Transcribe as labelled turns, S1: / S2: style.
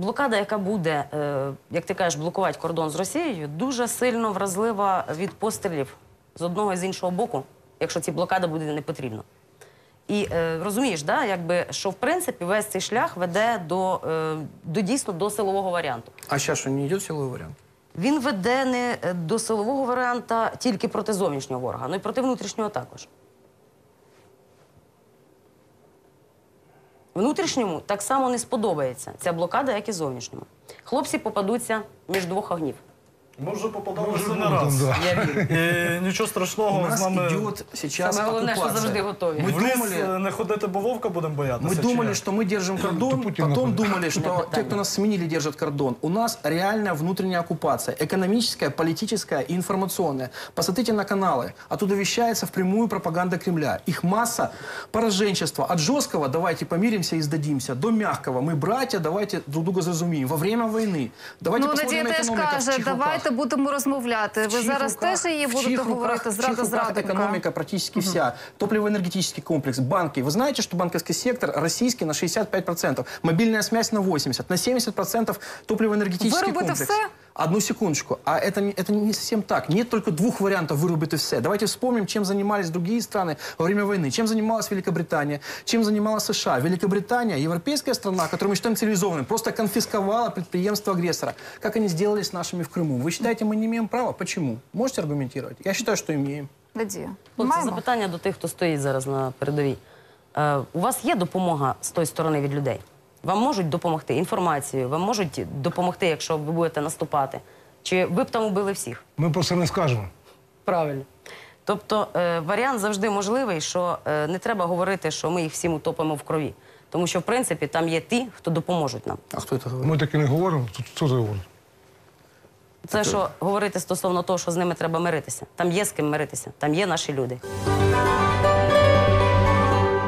S1: блокада, яка буде, як ти кажеш, блокувати кордон з Росією, дуже сильно вразлива від пострілів з одного і з іншого боку, якщо ця блокада буде не потрібна. І розумієш, да, якби, що в принципі весь цей шлях веде дійсно до силового варіанту.
S2: А зараз що, не йде силовий варіант?
S1: Він веде не до силового варіанта тільки проти зовнішнього ворога, але й проти внутрішнього також. Внутрішньому так само не сподобається ця блокада, як і зовнішньому. Хлопці попадуться між двох огнів.
S3: Ми вже попадалися не раз.
S1: Я вірю.
S3: І нічого страшного з нами...
S1: Саме головне, що завжди готові.
S3: В ліс не ходити, бо вовка будемо боятися.
S2: Мы думали, что мы держим кордон, потом думали, что те, кто нас сменили, держат кордон. У нас реальная внутренняя оккупация, экономическая, политическая и информационная. Посмотрите на каналы. Оттуда вещается впрямую пропаганда Кремля. Их масса пораженчества. От жесткого «давайте помиримся и сдадимся» до мягкого «мы братья, давайте друг друга зразумеем». Во время войны. Давайте посмотрим на экономику.
S4: Давайте будемо розмовляти. Ви зараз теж її будете говорити зрада зрадника.
S2: Экономика практически вся. Топливо-энергетический комплекс, банки. Вы знаете, что банковский сектор российский на 65%, мобильная связь на 80%, на 70% топливо-энергетический комплекс.
S4: Все?
S2: Одну секундочку. А это не совсем так. Нет только двух вариантов вырубить все. Давайте вспомним, чем занимались другие страны во время войны. Чем занималась Великобритания, чем занималась США. Великобритания, европейская страна, которую мы считаем цивилизованной, просто конфисковала предприемство агрессора. Как они сделали с нашими в Крыму? Вы считаете, мы не имеем права? Почему? Можете аргументировать? Я считаю, что имеем.
S4: Надія,
S1: Хлопці,
S4: маємо?
S1: запитання до тих, хто стоїть зараз на передовій. У вас є допомога з тої сторони від людей? Вам можуть допомогти інформацією, вам можуть допомогти, якщо ви будете наступати? Чи ви б там убили всіх?
S5: Ми про це не скажемо.
S1: Правильно. Тобто варіант завжди можливий, що не треба говорити, що ми їх всім утопимо в крові. Тому що, в принципі, там є ті, хто допоможуть нам.
S2: А кто это говорит?
S5: Ми таки не говоримо, тут хто це говорить?
S1: Це, що говорити стосовно того, що з ними треба миритися. Там є з ким миритися, там є наші люди.